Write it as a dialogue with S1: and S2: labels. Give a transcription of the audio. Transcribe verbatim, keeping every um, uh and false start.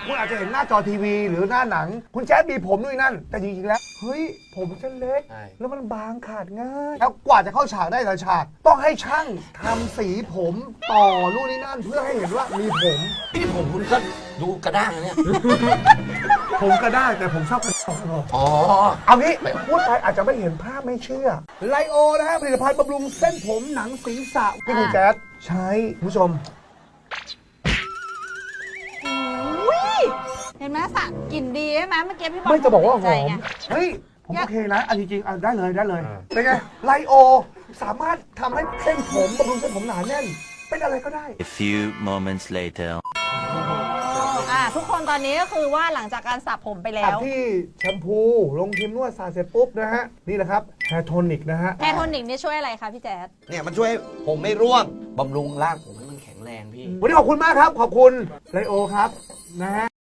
S1: คุณอาจจะเห็นหน้าจอทีวีหรือหน้าหนังคุณแจ๊ดมีผมด้วยนั่นแต่จริงๆแล้วเฮ้ยผมฉันเล็กแล้วมันบางขาดง่ายแล้วกว่าจะเข้าฉากได้แต่ละฉากต้องให้ช่างทำสีผมต่อนู่นนี่นั่นเพื่อให้เห็นว่ามีผม
S2: พี่ผมคุณก็ดูกระด้างนะเนี่ย
S1: ผมก็ได้แต่ผมชอบกระดอง
S2: อ๋อ
S1: เอางี้พูดไปอาจจะไม่เห็นภาพไม่เชื่อไลโอนะฮะผลิตภัณฑ์บำรุงเส้นผมหนังศีรษะที่คุณแจ๊ดใช้คุณผู้ชม
S3: เห็นไหมสระกลิ่นดีใช่ไหมเมื่อกี้พี่บอล
S1: ไม่จะบอกว่าห
S3: ใจ
S1: อม
S3: ไง
S1: เฮ้ยผมโอเคนะอันจริงๆอ่ะได้เลยได้เลยเป็นไงไลโอสามารถทำให้เส้นผมบำรุงเส้นผมหนาแน่นเป็นอะไรก็ได้
S4: A few moments later.
S3: อ่าทุกคนตอนนี้ก็คือว่าหลังจากการสระผมไปแล้
S1: อัด
S3: ว
S1: ที่แชมพูลงครีมนวดสระเสร็จปุ๊บนะฮะนี่แหละครับแฮร์โทนิกนะฮะ
S3: แฮร์โทนิกนี่ช่วยอะไรคะพี่แจ๊ด
S2: เนี่ยมันช่วยให้ผมไม่ร่วงบำรุงร่างผมให้มันแข็งแรงพี่
S1: วันนี้ขอบคุณมากครับขอบคุณไลโอครับนะฮะ